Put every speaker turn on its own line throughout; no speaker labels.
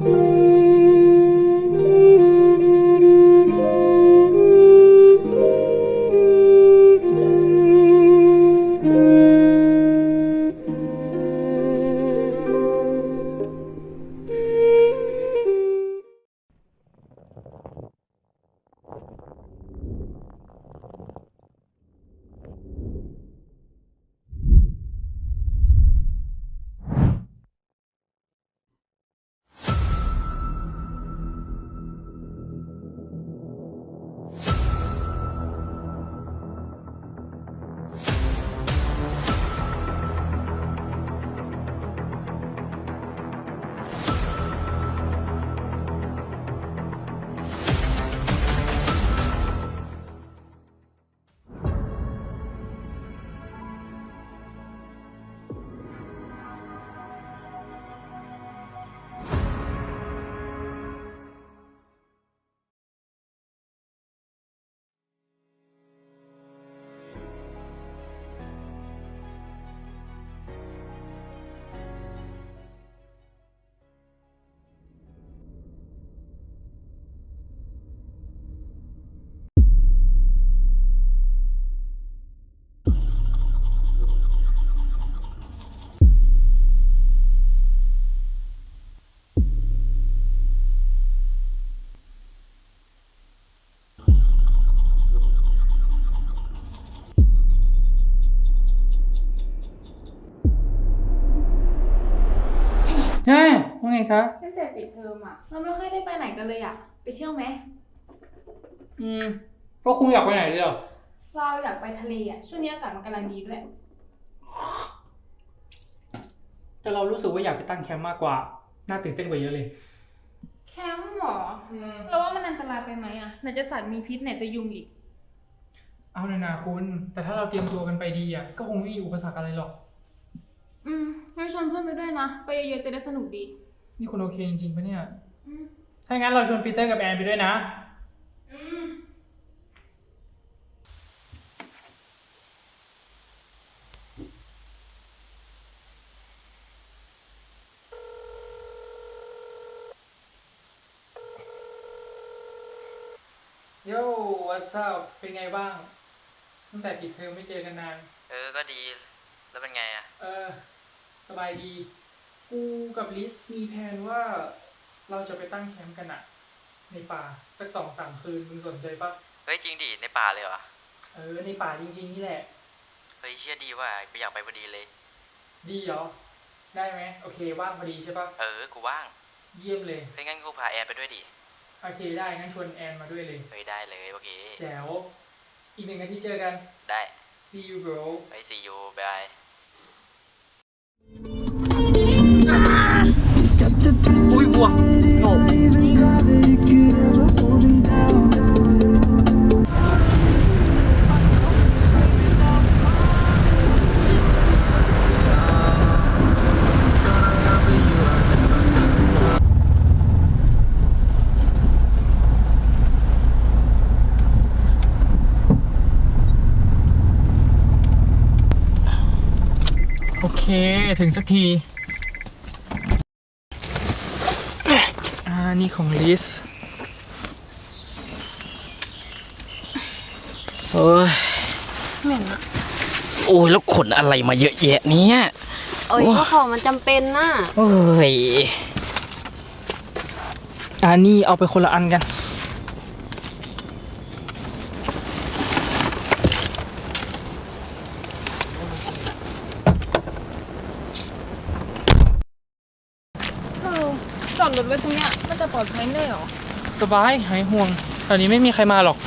ว่าไงครับ
ตั้งแต่ปิดเทอมอะเราไม่ค่อยได้ไปไหนกันเลยอะไปเที่ยวไหม
ก็คุณอยากไปไหนเลยเหรอ
เราอยากไปทะเลอะช่วงนี้อากาศมันกำลังดีด้วย
แต่เรารู้สึกว่าอยากไปตั้งแคมป์มากกว่าน่าตื่นเต้นกว่าเยอะเลย
แคมป์หรอเราว่ามันอันตรายไปไหมอะไหนจะสัตว์มีพิษไหนจะยุงอีก
เอาเลยนะคุณแต่ถ้าเราเตรียมตัวกันไปดีก็คงไม่มีอุปสรรคอะไรหรอก
งั้นชวนเพื่อนไปด้วยนะไปเยอะๆจะได้สนุกดี
นี่คุณโอเคจริงๆปะเนี่ยถ้างั้นเราชวนปีเตอร์กับแอนไปด้วยนะโย่ what's up เป็นไงบ้างตั้งแต่ปิดเทอมไม่เจอกันนาน
ก็ดีแล้วเป็นไง
สบายดีกูกับลิสมีแผนว่าเราจะไปตั้งแคมป์กันในป่าสัก2-3 คืนมึงสนใจปะ
เฮ้ยจริงดิในป่าเลยเหรอ
ในป่าจริงๆนี่แหละ
เฮ้ยเชื่อดีว่าไปอยากไปพอดีเลย
ดีเหรอได้ไหมโอเคว่างพอดีใช่ปะ
กูว่าง
เยี่ยมเลย
เฮ้ยงั้นกูพาแอนไปด้วยดิ
โอเคได้งั้นชวนแอนมาด้วยเลย
เฮ้ยได้เลยโอเค
แจ๋วอีก1 อาทิตย์เจอกัน
ได้
see you bro
ไป see you bye
อุ้ยบัวโอเคถึงสักทีนี่ของลิส
โอ้ย
เหม็นอะ
โอ้ยแล้วขนอะไรมาเยอะแยะเนี้ย
ก็ของมันจำเป็นน่ะ
โอ้ย
นี่เอาไปคนละอันกัน
จอดรถไว้ตรงเนี้ยมันจะปลอดภัยได้หรอ
สบายหายห่วงตอนนี้ไม่มีใครมาหรอก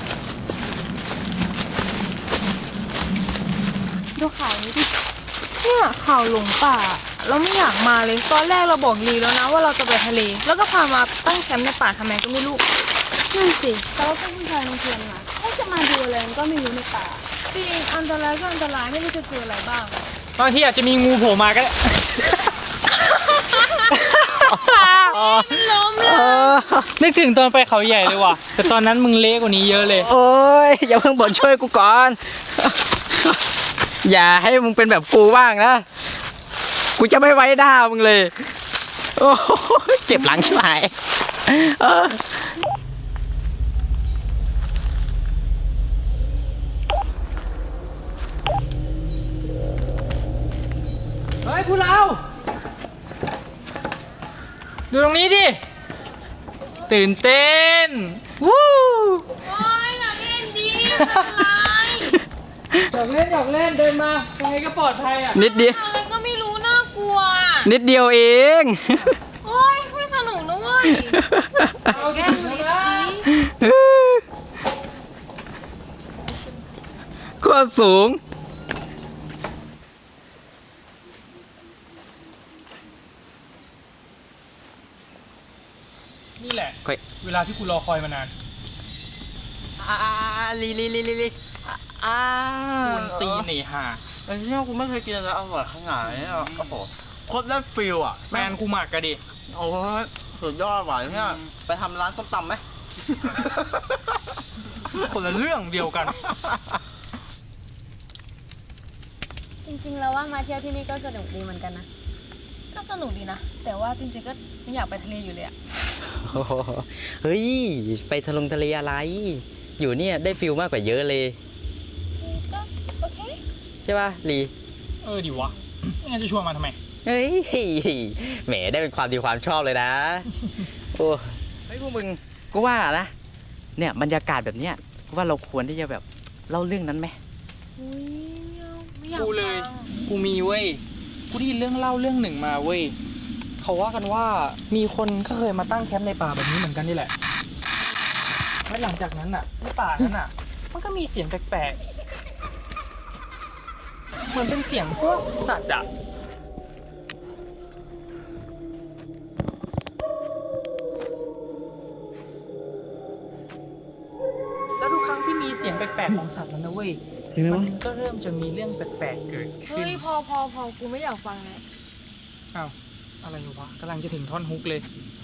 ดูข่าวนี้ดิเนี่ยข่าวหลงป่าเราไม่อยากมาเลยตอนแรกเราบอกลีแล้วนะว่าเราจะไปทะเลแล้วก็พามาตั้งแคมป์ในป่าทำไมก็ไม่รู้
นั่นสิแต่ว่าเป็นผู้ชายในเทียนมาเขาจะมาดูอะไรก็ไม่รู้ในป่า
จริงอันตรายก็อันตรายไม่รู้จะเจออะไรบ้าง
บางทีอาจจะมีงูโผล่มาก็ได้
มันล้มเลย
นึกถึงตอนไปเขาใหญ่เลยว่ะแต่ตอนนั้นมึงเละกว่านี้เยอะเลย
โอ้ยอย่าเพิ่งบ่นช่วยกูก่อนอย่าให้มึงเป็นแบบกูบ้างนะกูจะไม่ไว้หน้ามึงเลยโอ้โหเจ็บหลังใช่ไหมเออ
เฮ้ยพวกเราดูตรงนี้ดิ ตื่นเต้น วู้
โอ้ยอย่าเล่นดิอะไร
หยอกเล่นเดินมายังไงก็ปลอดภัยอ่ะ
นิดเดียว
อะไรก็ไม่รู้น่ากลัว
นิดเดียวเอง
โอ้ยไม่สนุกนะเว้ย
เอาแก้มเลยนะ
ก็สูง
นี่แหละ
เฮ้ย
เวลาที่กูรอคอยมานาน
ลีอ่า
กูนตีหนีห่า
ไอ้เนี่ยกูไม่เคยกินอะไรอร่อยขนาดนี้อ่ะโอ้โหโคตรได้ฟิลอ่ะ
แฟนกูหมักกะดิ
โอ้ยสุดยอดว่ะเนี่ยไปทำร้านส้มตำไหม
คนละเรื่องเดียวกัน
จริงๆแล้วว่ามาเที่ยวที่นี่ก็สนุกดีเหมือนกันนะ
ก็สนุกดีนะ แต่ว่าจริงๆก็ยังอยากไปทะเลอยู่เลยอะ
โอ้โหเฮ้ย ไปทะเลอะไร อยู่เนี่ยได้ฟิลมากกว่าเยอะเลย
ก็โอเค
ใช่ป่ะลี
เออดิวะไม่งั้นจะชวนมาทำไม
เฮ้ยแหมได้เป็นความดีความชอบเลยนะ โอ้เฮ้ยพวกมึงกูว่านะเนี่ยบรรยากาศแบบเนี้ยกูว่าเราควรที่จะแบบเล่าเรื่องนั้นไหม
อุ้ยไม่อยาก
กูเลย
ฟัง
กูมีเว้ย กูได้ยินเรื่องเล่าเรื่องหนึ่งมาเว้ย เขาว่ากันว่ามีคนก็เคยมาตั้งแคมป์ในป่าแบบนี้เหมือนกันนี่แหละ และหลังจากนั้นอ่ะในป่านั้นอ่ะ มันก็มีเสียงแปลกๆ เหมือนเป็นเสียงพวกสัตว์อ่ะ แล้วทุกครั้งที่มีเสียงแปลกๆของสัตว์นั้นนะเว้ย มันก็เริ่มจะมีเรื่องแปลกๆเกิดขึ้
เฮ้
น
ยพอกูไม่อยากฟังแล้ว
อ้าว อะไรวะกำลังจะถึงท่อนฮุกเลย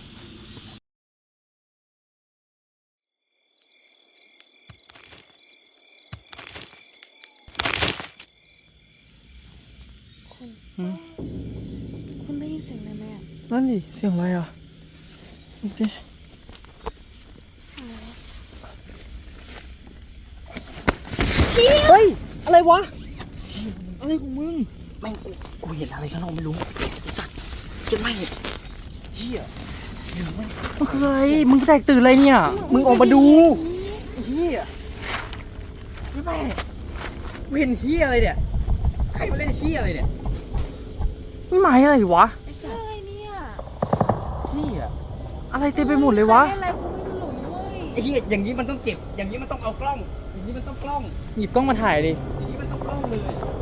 คุณได้ยินเสียงอะไรไหมอะ
นั่นดิ เสียงอะไรอ่ะโอเคเฮ้ย อะไรวะ อะไรของมึง
แม่งกูเห็นอะไรข้างนอกไม่รู้ไอ้สัตว์เจ็บไหมเฮีย
มันคืออะไร มึงแตกตื่นอะไรเนี่ย มึงออกมาดู
เฮียไม่ไปกูเห็นเฮียอะไรเนี่ยใครมาเล่นเฮียอะไรเนี่ย
นี่หมายอะไรวะ
อะไรเนี่ย
เฮีย
อะไรเต็มไปหมดเลยวะ
อะไรกูไม่รู้เว้ย
ไอ้เฮียอย่างนี้มันต้องเก็บ อย่างนี้มันต้องเอากล้อง อย่างนี้มันต้องกล้อง
หยิบกล้องมาถ่ายดิ
อย่างนี้มันต้องกล้องเลย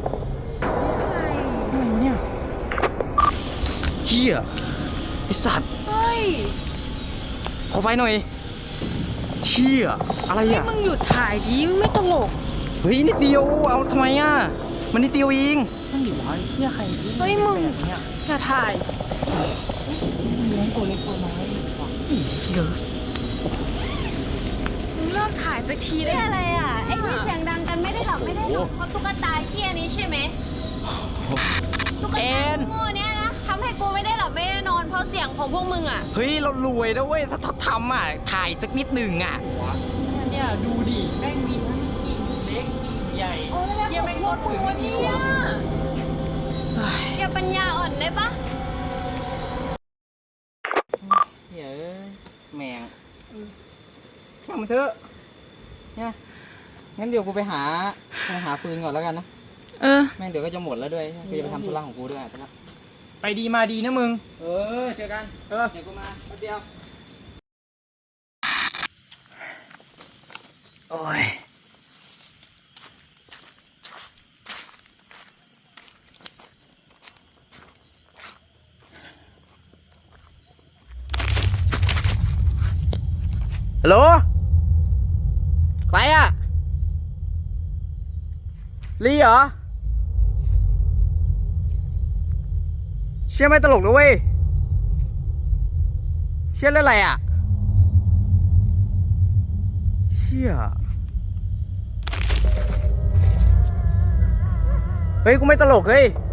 อะไรวะเนี่ย
เฮียไอสัตว์
เฮ้ย
ขอไฟหน่อยเชี่ยอะไร
เฮ้ย
อ่ะ
มึงหยุดถ่ายดิมึงไม่ตลก
เฮ้ยนิดเดียวเอาทำไมอ่ะมันนิดเดียวเอง
นั่นดิวะไอ้เชี่ยใครที่
เฮ้ยมึง
แบบเนี่ย
อย่าถ่าย
เลี้ยงตัวเล็กตัวน้อยว่ะ
เยอะ
มึงเลิกถ่ายสักทีได้
นี่
ไหม
อะไรอ่ะ ไอ้ที่เสียงดังกันไม่ได้หลับไม่ได้นอนเพราะตุ๊กตาเขี้ยนี้ใช่ไหมตุ๊กตาโง่เนี้ยนะทำให้กูไม่ได้หลับไม่ได้นอนเพราะเสียงของพวกมึงอ่ะ
เฮ้ยเรารวยนะเว้ยถ้าทำอ่ะถ่ายสักนิดหนึ่งอ่ะ
เนี่ยดูดิแม่งมีทั้งกิ่งเล็กกิ่งใหญ่
โอ้ยแล้ว
เหี้ยแม่ง
พวกมึงวันนี้อ่ะ
อย่าปัญญาอ่อนได้ปะ
เฮ้ยแมงช่างมันเถอะเนี่ยงั้นเดี๋ยวกูไปหาฟืนก่อนแล้วกันนะ
เออ
แม่งเดี๋ยวก็จะหมดแล้วด้วยกูจะไปทำธุระของกูด้วยไปละ
ไปดีมาดีนะมึง
เออเจอกันเดี๋ยวกูมาแป๊บเดียวโอ้ยฮัลโหลใครอ่ะลีเหรอเชื่อไม่ตลกนะเว้ยเชื่อเล่นอะไรอ่ะเชื่อเฮ้ยกูไม่ตลกเฮ้ย